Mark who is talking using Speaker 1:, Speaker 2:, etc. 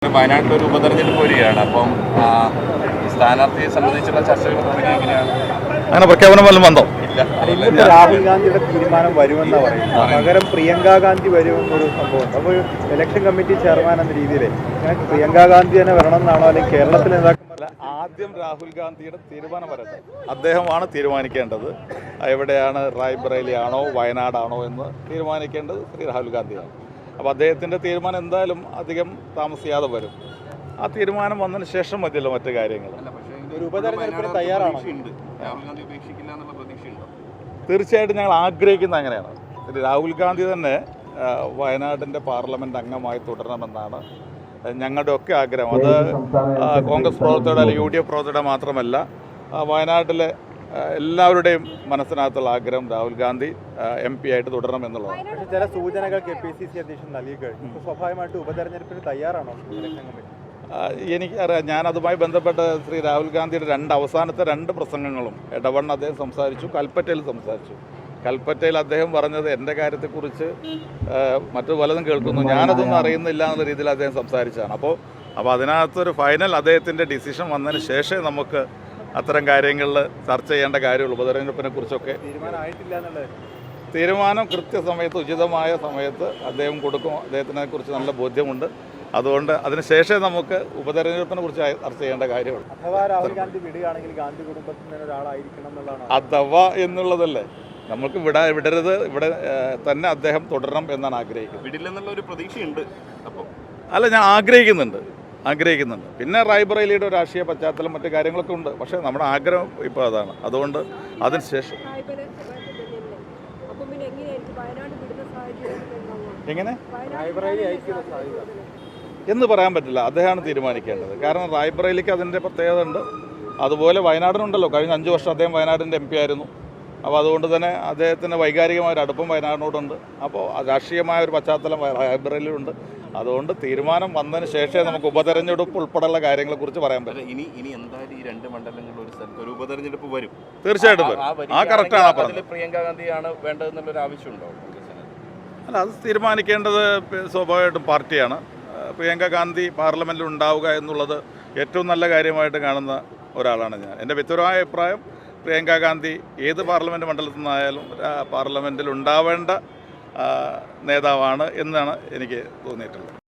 Speaker 1: വയനാട്ടിലൊരു ഉപതെരഞ്ഞെടുപ്പ് വരികയാണ്. അപ്പം സ്ഥാനാർത്ഥിയെ സംബന്ധിച്ചുള്ള ചർച്ചകൾ തുടങ്ങി എങ്ങനെയാണ്?
Speaker 2: അങ്ങനെ പ്രഖ്യാപനം വല്ലതും വന്നോ?
Speaker 3: രാഹുൽ ഗാന്ധിയുടെ തീരുമാനം വരുമെന്നാണ് പറയുന്നത്. പകരം പ്രിയങ്ക ഗാന്ധി വരുമെന്നൊരു സംഭവമുണ്ട്. അപ്പോൾ ഇലക്ഷൻ കമ്മിറ്റി ചെയർമാൻ എന്ന രീതിയിൽ പ്രിയങ്ക ഗാന്ധി തന്നെ വരണമെന്നാണോ, അല്ലെങ്കിൽ കേരളത്തിൽ
Speaker 2: ആദ്യം രാഹുൽ ഗാന്ധിയുടെ തീരുമാനം വരട്ടെ. അദ്ദേഹമാണ് തീരുമാനിക്കേണ്ടത്. എവിടെയാണ്, റായ്ബറേലി ആണോ വയനാടാണോ എന്ന് തീരുമാനിക്കേണ്ടത് ശ്രീ രാഹുൽ ഗാന്ധിയാണ്. അപ്പോൾ അദ്ദേഹത്തിൻ്റെ തീരുമാനം എന്തായാലും അധികം താമസിയാതെ വരും. ആ തീരുമാനം വന്നതിന് ശേഷം മതിയല്ലോ മറ്റു കാര്യങ്ങൾ.
Speaker 3: ഒരു ഉപതെരഞ്ഞെടുപ്പിന് തയ്യാറാണോ?
Speaker 2: തീർച്ചയായിട്ടും ഞങ്ങൾ ആഗ്രഹിക്കുന്ന അങ്ങനെയാണ്. രാഹുൽ ഗാന്ധി തന്നെ വയനാടിൻ്റെ പാർലമെൻറ്റ് അംഗമായി തുടരണമെന്നാണ് ഞങ്ങളുടെ ഒക്കെ ആഗ്രഹം. അത് കോൺഗ്രസ് പ്രവർത്തകരുടെ അല്ലെങ്കിൽ UDF പ്രവർത്തകരുടെ മാത്രമല്ല, വയനാട്ടിലെ എല്ലാവരുടെയും മനസ്സിനകത്തുള്ള ആഗ്രഹം രാഹുൽ ഗാന്ധി MP ആയിട്ട് തുടരണം എന്നുള്ളതാണ്.
Speaker 3: പക്ഷേ ചില സൂചനകൾ KPCC അധ്യക്ഷൻ നൽകി കഴിഞ്ഞു. സ്വാഭാവികമായിട്ട് ഉപതെരഞ്ഞെടുപ്പിന് തയ്യാറാണോ?
Speaker 2: എനിക്കറിയാം, ഞാൻ അതുമായി ബന്ധപ്പെട്ട് ശ്രീ രാഹുൽ ഗാന്ധിയുടെ അവസാനത്തെ രണ്ട് പ്രസംഗങ്ങളും ഇടവണ്ണ അദ്ദേഹം സംസാരിച്ചു, കൽപ്പറ്റയിൽ സംസാരിച്ചു. കൽപ്പറ്റയിൽ അദ്ദേഹം പറഞ്ഞത് എൻ്റെ കാര്യത്തെക്കുറിച്ച് മറ്റു പലതും കേൾക്കുന്നു, ഞാനതൊന്നും അറിയുന്നില്ല എന്നുള്ള രീതിയിൽ അദ്ദേഹം സംസാരിച്ചതാണ്. അപ്പോൾ അതിനകത്തൊരു ഫൈനൽ അദ്ദേഹത്തിൻ്റെ ഡിസിഷൻ വന്നതിന് ശേഷമേ നമുക്ക് അത്തരം കാര്യങ്ങളിൽ ചർച്ച ചെയ്യേണ്ട കാര്യമുള്ളൂ. ഉപതെരഞ്ഞെടുപ്പിനെ കുറിച്ചൊക്കെ തീരുമാനം കൃത്യസമയത്ത് ഉചിതമായ സമയത്ത് അദ്ദേഹം കൊടുക്കും. അദ്ദേഹത്തിനെ കുറിച്ച് നല്ല ബോധ്യമുണ്ട്. അതുകൊണ്ട് അതിനുശേഷമേ നമുക്ക് ഉപതെരഞ്ഞെടുപ്പിനെ കുറിച്ച് ചർച്ച ചെയ്യേണ്ട കാര്യമുള്ളൂ. അഥവാ എന്നുള്ളതല്ലേ, നമുക്ക് വിടരുത്, ഇവിടെ തന്നെ അദ്ദേഹം തുടരണം എന്നാണ് ആഗ്രഹിക്കുന്നത്.
Speaker 1: വിടില്ലെന്നുള്ള ഒരു പ്രതീക്ഷയുണ്ട്. അപ്പോൾ
Speaker 2: അല്ല, ഞാൻ ആഗ്രഹിക്കുന്നുണ്ട്. പിന്നെ റായ്ബറേലിയുടെ രാഷ്ട്രീയ പശ്ചാത്തലം മറ്റു കാര്യങ്ങളൊക്കെ ഉണ്ട്. പക്ഷേ നമ്മുടെ ആഗ്രഹം ഇപ്പോൾ അതാണ്. അതുകൊണ്ട് അതിനുശേഷം എങ്ങനെ എന്ന് പറയാൻ പറ്റില്ല, അദ്ദേഹമാണ് തീരുമാനിക്കേണ്ടത്. കാരണം റായ്ബറേലിക്ക് അതിൻ്റെ പ്രത്യേകത ഉണ്ട്. അതുപോലെ വയനാടിനുണ്ടല്ലോ, കഴിഞ്ഞ 5 വർഷം അദ്ദേഹം വയനാടിൻ്റെ MP ആയിരുന്നു. അപ്പോൾ അതുകൊണ്ട് തന്നെ അദ്ദേഹത്തിന് വൈകാരികമായ ഒരു അടുപ്പം വയനാടിനോടുണ്ട്. അപ്പോൾ രാഷ്ട്രീയമായ ഒരു പശ്ചാത്തലം റായ്ബറേലിയിലുണ്ട്. അതുകൊണ്ട് തീരുമാനം വന്നതിന് ശേഷമേ നമുക്ക് ഉപതെരഞ്ഞെടുപ്പ് ഉൾപ്പെടെയുള്ള കാര്യങ്ങളെക്കുറിച്ച് പറയാൻ പറ്റും.
Speaker 1: ഇനി എന്തായാലും ഈ 2 മണ്ഡലങ്ങളിൽ ഒരു സ്ഥലത്ത് ഒരു ഉപതെരഞ്ഞെടുപ്പ് വരും.
Speaker 2: തീർച്ചയായിട്ടും വരും. ആ കറക്റ്റാണ് പറഞ്ഞത്.
Speaker 1: പ്രിയങ്ക ഗാന്ധിയാണ് വേണ്ടതെന്നുള്ളൊരു ആവശ്യമുണ്ടോ?
Speaker 2: അല്ല, അത് തീരുമാനിക്കേണ്ടത് സ്വാഭാവികമായിട്ടും പാർട്ടിയാണ്. പ്രിയങ്ക ഗാന്ധി പാർലമെൻറ്റിൽ ഉണ്ടാവുക എന്നുള്ളത് ഏറ്റവും നല്ല കാര്യമായിട്ട് കാണുന്ന ഒരാളാണ് ഞാൻ. എൻ്റെ വ്യക്തിപരമായ അഭിപ്രായം, പ്രിയങ്ക ഗാന്ധി ഏത് പാർലമെൻറ്റ് മണ്ഡലത്തിൽ നിന്നായാലും പാർലമെൻറ്റിൽ ഉണ്ടാവേണ്ട നേതാവാണ് എന്നാണ് എനിക്ക് തോന്നിയിട്ടുള്ളത്.